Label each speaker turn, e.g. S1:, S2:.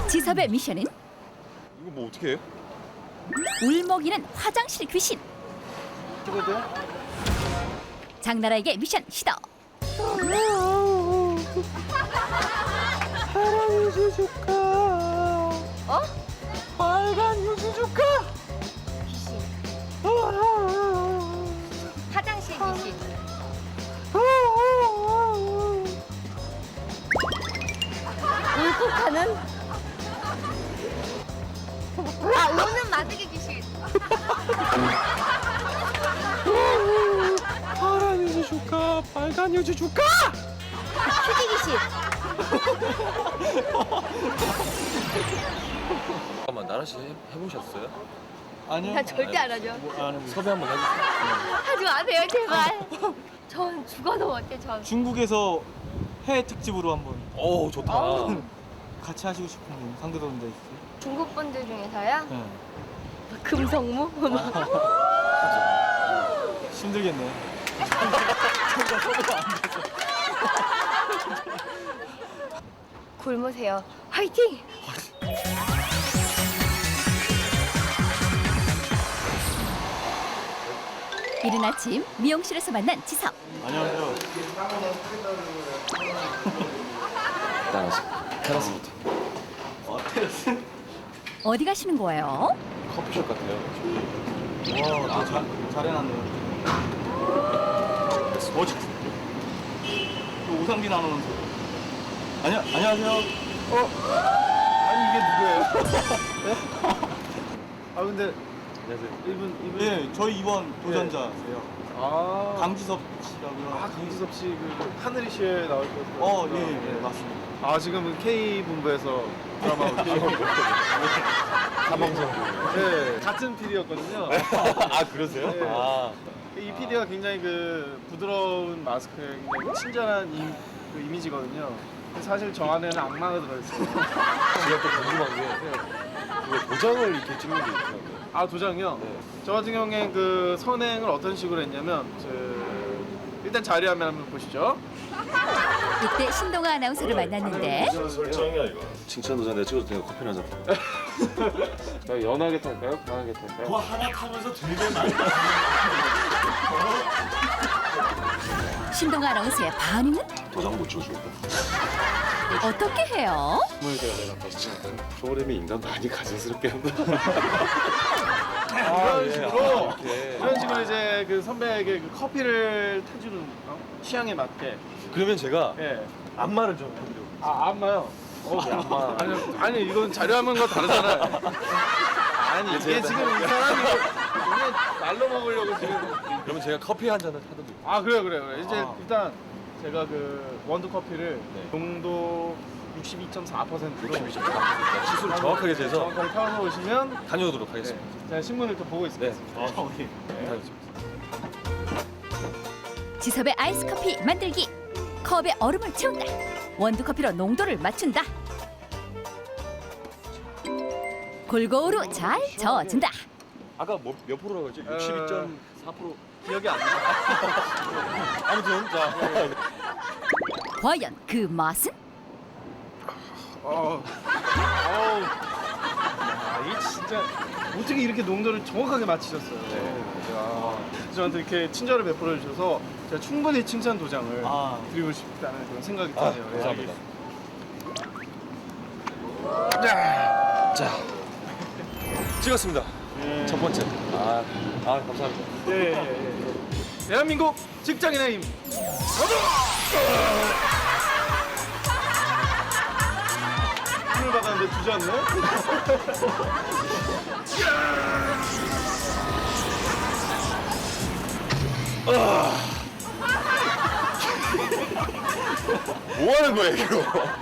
S1: 지섭의 미션은
S2: 이거 뭐 어떻게 해?
S1: 울먹이는 화장실 귀신.
S3: 찍어도 돼?
S1: 장나라에게 미션 시도.
S3: 파란 유수 줄까?
S1: 어?
S3: 빨간 유수 줄까?
S4: 귀신. 화장실 귀신. 울컥하는? 우는 마드기 귀신.
S3: 파란 유수 줄까? 빨간 유수 줄까?
S4: 휴지 귀신.
S2: 잠깐만 나라 씨 해보셨어요?
S3: 아니요.
S4: 나 절대 안 하죠.
S3: 안 해보세요.
S2: 섭외 한번 해주세요.
S4: 하지 마세요, 제발. 전 죽어도 못해, 전.
S3: 중국에서 해외 특집으로 한번
S2: 오 좋다.
S4: 아우.
S3: 같이 하시고 싶은 분 상대동자 있어요?
S4: 중국 분들 중에서요?
S3: 네.
S4: 금성무?
S3: 힘들겠네.
S4: 굶으세요. 화이팅!
S1: 이른 아침 미용실에서 만난 지섭.
S3: 안녕하세요.
S2: 나라씨 테라스부터.
S3: 테라스?
S1: 어디 가시는 거예요?
S2: 커피숍 같아요.
S3: 와, 잘해놨네요. 어제 오상빈 아나운서. 안녕하세요.
S5: 아니 이게 누구예요? 네? 아 근데
S2: 안녕하세요.
S5: 이분
S3: 네, 저희 이번 도전자세요.
S5: 아
S3: 강지섭 씨라고요.
S5: 강지섭 씨그 하늘이 시에 나올 거.
S3: 예, 맞습니다.
S5: 아 지금은 K 본부에서 드라마 K
S2: 사방송.
S5: 네 같은 PD였거든요.
S2: 아 그러세요?
S5: 네.
S2: 아
S5: 이 PD가 굉장히 그 부드러운 마스크에 굉장히 친절한 그 이미지거든요. 근데 사실 저 안에는 악마가 들어있어요.
S2: 제가 또 궁금한 게 왜 도장을 이렇게 찍는 게 있더라고요.
S5: 아 도장이요?
S2: 네.
S5: 저 같은 경우에 그 선행을 어떤 식으로 했냐면 일단 자료화면 한번 보시죠.
S1: 이때 신동아 아나운서를 만났는데
S2: 설정이야 이거. 칭찬 도장 내가 찍어도 돼요. 커피 한 잔.
S5: 자, 연하게 탈까요? 강하게 탈까요?
S2: 하나 타면서 되게 많이.
S1: 신동아 아나운서의 반응은
S2: 도장 못 찍어주겠다.
S1: 어떻게 해요?
S2: 프로그램이 인간 많이 가증스럽게 한다.
S5: 이런 식으로
S2: 예.
S5: 이런 식으로 이제 그 선배에게 그 커피를 타주는 취향에 맞게.
S2: 그러면 제가
S5: 예.
S2: 안마를 좀 해드리고.
S5: 아 안마요.
S2: 안마.
S5: 아니 이건 자료화면과 다르잖아요. 아니 이게 지금 이 사람이 이게 날로 먹으려고 지금.
S2: 그러면 제가 커피 한 잔을 타드릴게요.
S5: 아 그래. 이제
S3: 아.
S5: 일단 제가 그 원두 커피를
S2: 네.
S5: 농도 62.4%로
S2: 시술을 정확하게 재서
S5: 정확하게 타서 오시면
S2: 다녀오도록
S5: 네,
S2: 하겠습니다.
S5: 제가 신문을 또 보고 있습니다.
S2: 네. 다녀오겠습니다.
S1: 지섭의 아이스 커피 만들기. 컵에 얼음을 채운다. 원두 커피로 농도를 맞춘다. 골고루 잘 저어준다.
S2: 아까 몇 프로라고 했지? 62.4%.
S5: 기억이 안 나.
S2: 아무튼 자
S1: 과연 그 맛은?
S5: 이 진짜 어떻게 이렇게 농도를 정확하게 맞히셨어요. 저한테 이렇게 친절을 베풀어 주셔서 제가 충분히 칭찬 도장을 드리고 싶다는 그런 생각이 드네요.
S2: 감사합니다. 자 찍었습니다. 첫 번째. 감사합니다.
S5: 예. 대한민국 직장인의 힘. 힘을 받았는데 주지 않네?
S2: 뭐 하는 거예요 이거?